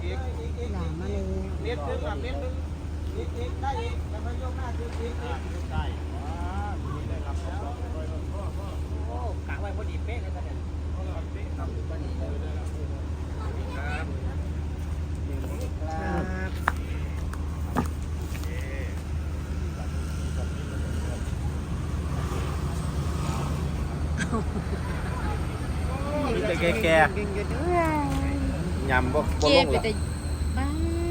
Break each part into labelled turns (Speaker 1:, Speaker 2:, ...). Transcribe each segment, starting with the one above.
Speaker 1: หลามาเลย
Speaker 2: เม็ดนึงกับเม็ดนึงอีกได้อีกแล้วก็ยกหน้าขึ้นอีกได้ได้ครับโอ้กะไว้พอดีเป๊ะเลยท่านเนี่ยเป๊ะครับพอดีเลยครับ
Speaker 3: มีแต่แก่ๆยำบ่ลงหรอ
Speaker 1: บ้า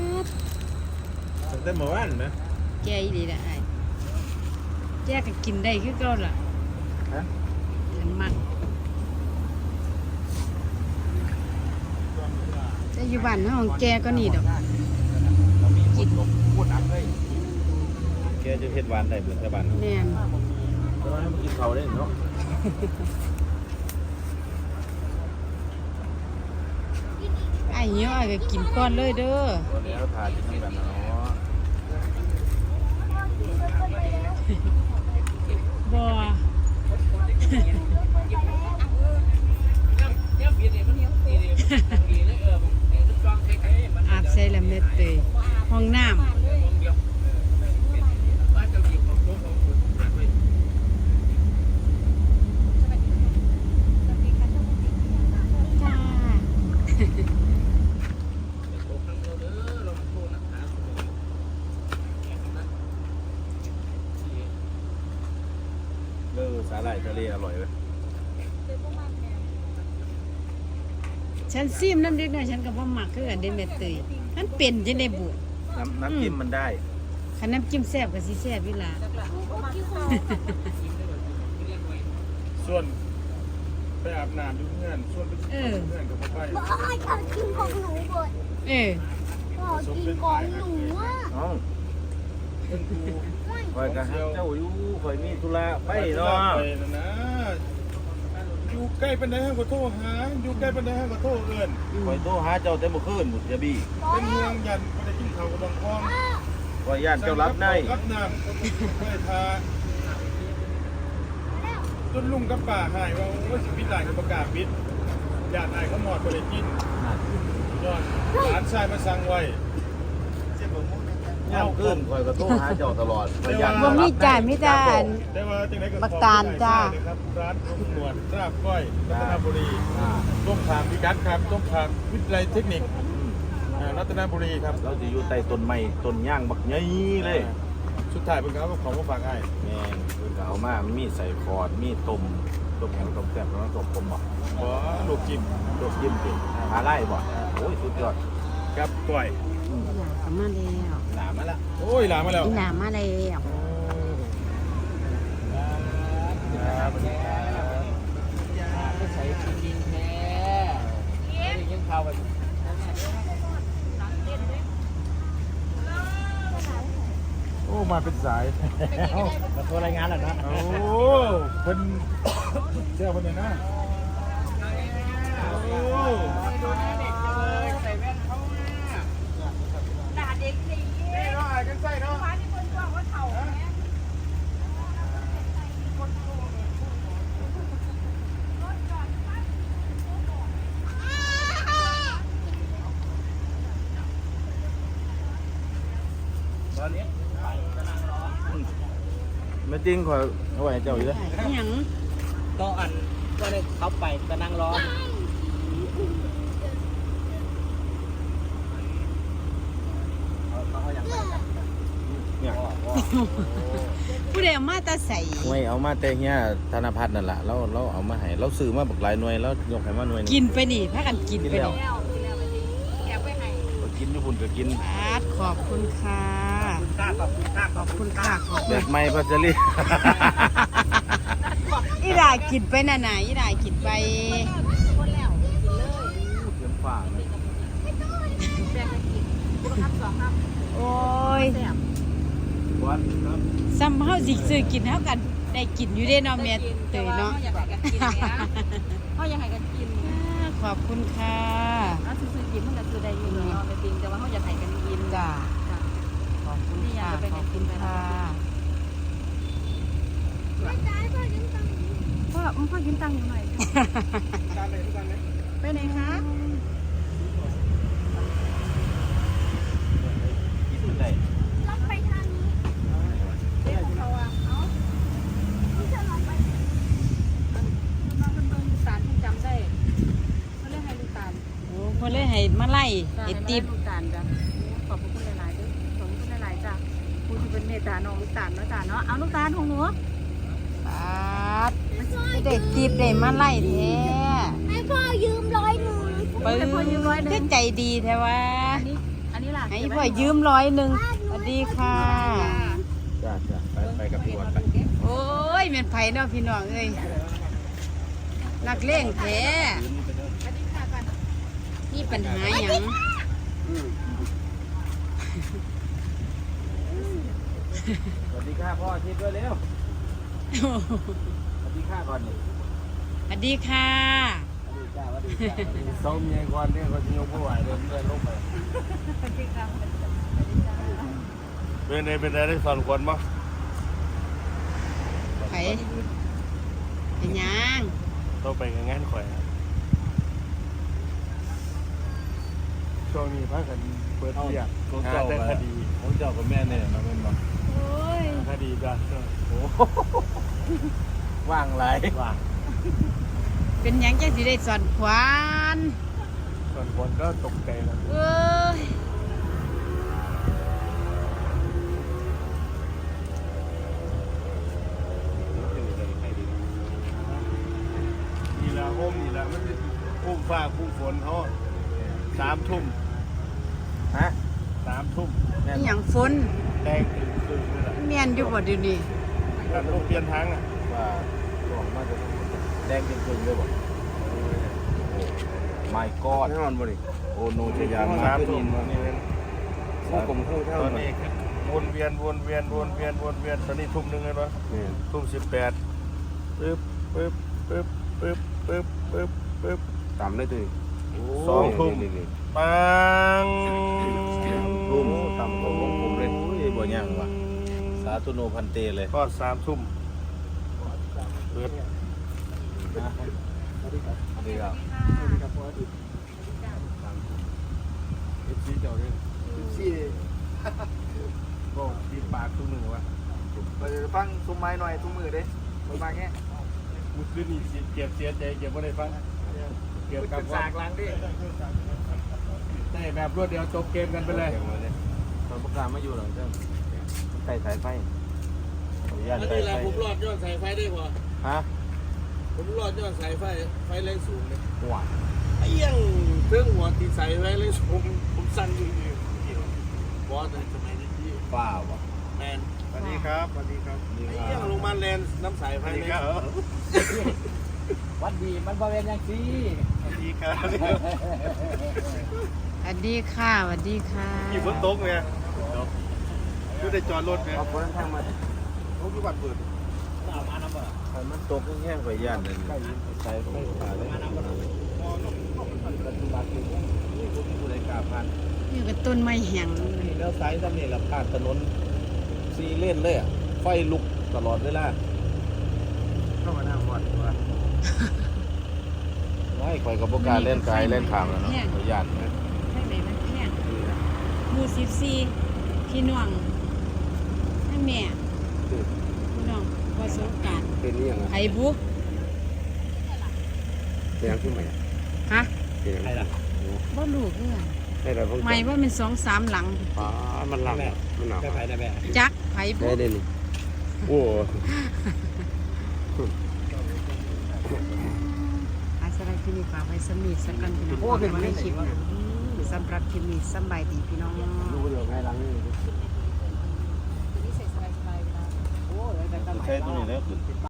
Speaker 3: ตั้งแต่เมื่อวานนะ
Speaker 1: แกอีดีละไอ้แกก็กินได้คือเก่าล่ะฉันมักแต่อยู่บ้านห้องแกก็นี่ดอกกิน
Speaker 2: พูดหนักเลย
Speaker 3: แกจะเฮ็ดหวานได้เบิดแต่บ้าน
Speaker 1: แน่น
Speaker 3: แต่ว่ามันกินข้าวได้เนาะ
Speaker 1: ไอ้เหี้ยก็กินก่อนเลยเด้อ
Speaker 3: แล้วทากินทั้งกันเนาะ
Speaker 1: บ่อาบใส่ละเม็ดเตยห้องน้ำจ้า
Speaker 3: สาหร่ายทะเลอร่อยเว้ย
Speaker 1: ฉันซิมน้ำเด็กน้อยฉันก็บ่มักคือกันเด้เม็ดเตยมันเป็นจังได๋บุ
Speaker 3: น้ำจิ้มมันได้
Speaker 1: คันน้ำจิ้มแซ่บก็สิแซ่บอยู่ล่ะ
Speaker 2: ส่วนไปอาบน้ำดูเพื่อนส่วนไปเพื่อนกับพ่อไป
Speaker 4: บอกให้เขากินของหนูก่อน
Speaker 1: เออ
Speaker 4: บอกกินของหนูอ่ะ
Speaker 3: น้องคอยกันเจ้าอยู่คอยมีธุระไปเนาะ
Speaker 2: ไปนะอยู่ใกล้ปันไดให้ขอโทษหาอยู่ใกล้ปันไดให้ขอโทษเอิญ
Speaker 3: คอยโทรหาเจ้าแต่เมื่อคืนบุตรจะบี้
Speaker 2: เป็นเมืองยันไม่ได้กินข้าวกับบางคลอง
Speaker 3: คอยย่านเจ้ารับได้
Speaker 2: รับน้ำไม่ได้ทาจนลุงกับป่าหายว่าสิพิจารณาประกาศปิดญาติอายเขาหมอดไปเลยกินยอดหลานชายมาสั่งไว้
Speaker 3: ย่ามขึ้นคอยก็โทรหาเจ้าตลอดคอยย่าน
Speaker 1: บ่มีจ่ายมีแต่อัน
Speaker 2: ได้ว่าจังไหนก็
Speaker 1: บักตาลจ้า
Speaker 2: ครับร้านคุณหนวดราบก้อยรัตนบุรีต้มขามพิกัดครับต้มขามวิทยาลัยเทคนิครัตนบุรีครับ
Speaker 3: เราจะอยู่ใต้ต้นไม้ต้นย่างบักใหญ่เลย
Speaker 2: สุดท้ายเป็นเขาของมาฝากไอ้
Speaker 3: แม่งเพิ่นก็เอามามีใส่คอร์ดมีต้มแข็งต้มแซ่บแล้วต้มผมบ่
Speaker 2: อ๋อลูกจิ้ม
Speaker 3: ต้มยิ้มเป็นหาไล่บ่โอ้ยสุดยอด
Speaker 2: ครับก้อย
Speaker 1: อีหลาก็มาแล้ว
Speaker 3: หลามาละ
Speaker 2: โอ้ยหลานมาแล้ว
Speaker 1: อีหลามาแล้ว
Speaker 2: ไม่ใส่กินแท้ไม่ได้ยินข่าวแบบโอ้มาเป็นสาย
Speaker 3: มาโทรรายงานแล้วนะ
Speaker 2: โอ้เพิ่นเจ้าเพิ่นเนี่ยนะโอ้
Speaker 4: ด่าเด็กสิ
Speaker 2: นี่เนาะไอ้กันใส่เนาะ
Speaker 4: ฟ้าที่คนบอกว่าเถ่าแม่
Speaker 3: ไม่จริงคอยเอาไว้ให้เจ้าอยู่เลย
Speaker 1: อีหยัง
Speaker 5: ก็อันก็ได้เขาไปก็นั่งรอ
Speaker 3: เนี่ย
Speaker 1: ผู้ใดเอามาแตาใส่
Speaker 3: หน่วยเอามาแต่เฮียธนพัฒน์นั่นแหละเราเอามาให้เราซื้อมาบักหลายหน่วยแล้วยกให้มาหน่วย
Speaker 1: กินไปนี่พากันกินไปนี่
Speaker 4: แล้วแกไปให้
Speaker 3: กินอยู่พุ่นก็กิน
Speaker 1: อาดขอบคุณค่ะขอบคุณค่ะขอบ
Speaker 3: แบ
Speaker 1: คุณ
Speaker 3: บไม่พัชรี
Speaker 1: อีหลากินไปน่ะน่ะอีหลากินไป
Speaker 4: คนแล้วกินเลย
Speaker 3: เสียงฝ่าเลย
Speaker 4: แบ่งกันกินทับสองทับ
Speaker 1: โอ้ย
Speaker 4: แซ่บ
Speaker 3: วัดครับ
Speaker 1: ซ้ำเฮาสิซื้อกินเฮากันได้กินอยู่เด้เนาะแม่เตยเนาะ
Speaker 4: อยากให้กันกินเนี่ยเขาอยากให้กันกิน
Speaker 1: ขอบคุณค่ะ
Speaker 4: แล้วซื้อกินมันก็ซื้อได้อยู่เนาะไม่จริงแต่ว่าเขาอยากให้กันกิน
Speaker 1: จ้าขอบคุณค่ะขอบคุณค่ะ
Speaker 4: พ่อยืมตังค์อยู่หน่อยไปไหนคะ
Speaker 1: เลยให้มาไล่ให้ติบ
Speaker 4: ลูกตาลจ้ะขอบคุณหลายๆด้วยขอบคุณหลายๆจ้ะคุณที่เป็นเมตตาน้องลูกตาลเนาะจ้ะเนาะเอาลูกตาลของหนู
Speaker 1: ปาดได้ติบได้มาไล่แท้
Speaker 6: ให้พ่อยืม100
Speaker 1: ปึ้งคือใจดีแท้ว่า
Speaker 4: อันนี้ล่ะ
Speaker 1: ให้พ่อยืม100สวัสดีค่ะ
Speaker 3: จ้าไปกับพี่วันไป
Speaker 1: โอ้ยแม่นไผเนาะพี่น้องเอ้ยนักเลงแท้นี่ปัญหาหยัง
Speaker 3: สวัสดีค่ะพ่อชิดด้วยเร็วสวัสดีค่ะก่อนนี่
Speaker 1: สวัสดีค่ะ
Speaker 3: เสาเมียก่อนเนี่ยเขาจะยกผู้ไหวเดินเดินลงไปเป็นได้สอนคนมั้ง
Speaker 1: ไผเป็นหยัง
Speaker 3: ต้องไปงานข่อยช่วงนี้พักกันเปิดเที่ยงงานได้คดีของเจ้ากับแม่เนี่ยมาเป็นบ่
Speaker 1: โอ้ย
Speaker 3: คดีจ้ะโอ้ว่างไรว่าง
Speaker 1: เป็นหยังจังสิได้สอนขวาน
Speaker 3: ส่วนคนก็ตกใจแล้ว
Speaker 1: เอ้ย
Speaker 3: นี่ละโฮมนี่ละมันพุ่มฟ้าพุ่มฝนเขา3 ทุ่มฮะ3 ทุ่ม
Speaker 1: นี่หยังฝน
Speaker 3: แดงตึงเลยล่ะ
Speaker 1: แม่นอยู่บ่เดี๋ยวนี้
Speaker 3: การต้องเปลี่ยนทางอ่ะว่าหลวงมาจะแดงตึงเลยบ่ไม่กอดนอนบ่ดิโอโนจะยามมาขึ้นนี่เป็นผู้กลมคู่เท่าตอนนี้วนเวียนตอนนี้ทุ่มหนึ่งเลยปะทุ่ม18ปึ๊บต่ำเลยตัว2 ทุ่มปังทุ่มต่ำของผมเลยบ่ยังวะสาธุโนพันเตเลยก็3 ทุ่มเปิดสวัสดีครับเจ้าเนี่ยก็ดีปากทุกมือวะ
Speaker 2: เราจะฟังซุ้มไม้หน่อยซุ้มมือเด้ซุ้มมาแค่
Speaker 3: มุขึ้นนี่เก็บเสียใจเก็บไม่ได้ฟังเกี่ยวกับ
Speaker 2: สากล้างดิ
Speaker 3: ได้แบบรวดเดียวจบเกมกันไปเลยตอนประกาศไม่อยู่หรอกเจ้าใส่สายไฟย่านสายไฟ
Speaker 5: ผมรอดยอดสายไฟได้พอ
Speaker 3: ฮะ
Speaker 5: ผมรอดยอดสายไฟแรงสูงเลย
Speaker 3: หัว
Speaker 5: ไอ้ยังเครื่องหัวตีสายไฟแรงสูงผมสั่นอยู่บอสสมัยนี้ที่
Speaker 3: ป้าวะ
Speaker 5: แมน
Speaker 2: สวัสดีครับสวัสดีครับ
Speaker 5: ไอ้ยังลงมาแลนน้ำสายไฟเลย
Speaker 2: วันดีมันบริเวณยังซี
Speaker 3: สวัสดีครับ
Speaker 1: สวัสดีค่ะสวัสดีค่ะ
Speaker 3: ขี่บนโต๊ะไงดูได้จอดรถไง
Speaker 2: เอาคนทางมาเขาคือบัตรเปิด
Speaker 3: มันตกแห้งๆไปย่านนั่นใส่ไฟฟ้าเลยปัจจุบันนี่ผมดูรายการผ่าน
Speaker 1: นี่ก็ต้นไม้แห้ง
Speaker 3: นี่แล้วสายทำนี่แหละผ่านถนน4 เลนเลยอ่ะไฟลุกตลอดเวลา
Speaker 2: เข้ามาหน้าวัดว่า
Speaker 3: ไม่ข่อยกับโบกล้ารเล่นกายเล่นขามแล้วเนาะขอยย่านนะ
Speaker 1: ทางไหนมันแห้งหมู่14พี่น้องให้แม่พี่น้องประสบการณ์
Speaker 2: เป็นนี่ยังไง
Speaker 1: ไผบุก
Speaker 2: เป็นยังขึ้นไหม
Speaker 1: ฮะ
Speaker 2: เป็นยังไงล่ะ
Speaker 1: บ่รู้คือกัน
Speaker 2: ให้เราเพิ่ง
Speaker 1: ไม่ว่ามัน2-3 หลัง
Speaker 2: อ๋อมันหลังมันหนาว
Speaker 5: ได้ไปได้แม่
Speaker 1: จักไผบุ
Speaker 2: ได้
Speaker 1: ก
Speaker 2: เลยนี่โอ้
Speaker 1: อาสระที่นี่ฝากไว้สมีสักกันพี่น้องโอ้เป็นวันนี้คลิปนะสำหรับคลิปนี้สำบายดีพี่น้อง
Speaker 2: รู้เดี๋ยวไงหลังนี่
Speaker 4: นี่ใส่สบายๆเวลา
Speaker 2: โอ้ยได้ตั้ง
Speaker 3: ใช้ตัวนี้แล้วขึ้น